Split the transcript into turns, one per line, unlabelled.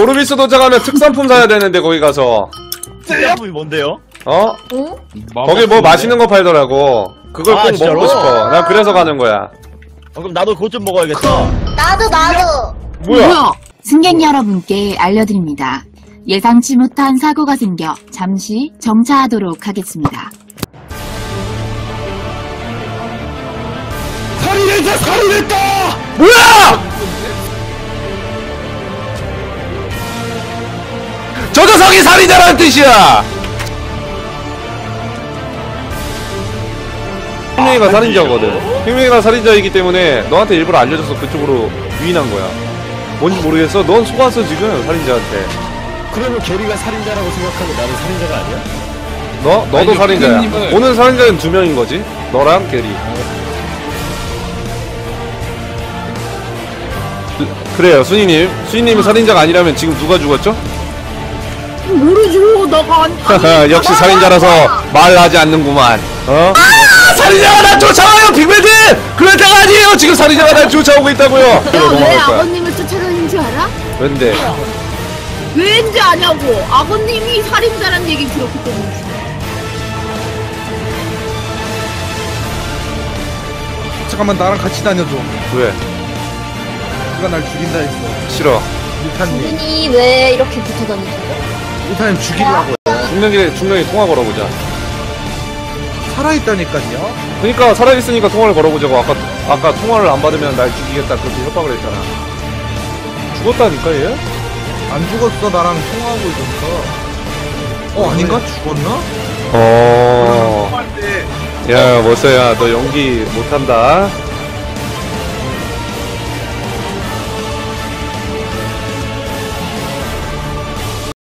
오르비스 도착하면 특산품 사야 되는데 거기 가서.
특산품이 뭔데요?
어?
응?
거기 뭐 맛있는 거 팔더라고. 그걸 꼭
진짜로?
먹고 싶어. 난 그래서 가는 거야.
그럼 나도 그것 좀 먹어야겠다.
나도.
뭐야?
승객 여러분께 알려드립니다. 예상치 못한 사고가 생겨 잠시 정차하도록 하겠습니다.
살인했다!
뭐야! 저 녀석이 살인자라는 뜻이야! 핑맹이가 살인자거든. 핑맹이가 살인자이기 때문에 너한테 일부러 알려줘서 그쪽으로 유인한 거야. 뭔지 모르겠어? 넌 속았어 지금 살인자한테.
그러면 게리가 살인자라고 생각하고 나는 살인자가 아니야?
너도
아니,
살인자야.
선생님은-
오늘 살인자는 2명인 거지. 너랑 게리. 그래요, 순이님이 살인자가 아니라면 지금 누가 죽었죠?
모르죠. 너가
역시 살인자라서 말하지 않는구만. 어? 살인자가 날 쫓아와요, 빅맨들! 그럴 때가 아니에요. 지금 살인자가 날 쫓아오고 있다고요.
내가 왜 아버님을 쫓아다니는 줄 알아?
왠데?
왠지 아냐고. 아버님이 살인자란 얘기 들었기 때문이지.
잠깐만 나랑 같이 다녀줘.
왜?
누가 날 죽인다 했어.
싫어.
리타님.
분이 왜 이렇게 붙어 다니죠?
리타님 죽이려고.
중령이 통화 걸어보자.
살아있다니까요.
그니까 살아있으니까 통화를 걸어보자고. 아까 통화를 안 받으면 날 죽이겠다 그렇게 협박을 했잖아. 죽었다니까 얘?
안 죽었어. 나랑 통화하고 있었어. 아닌가? 죽었나?
어.
통화할 때
야, 멋져야. 너 연기 못한다.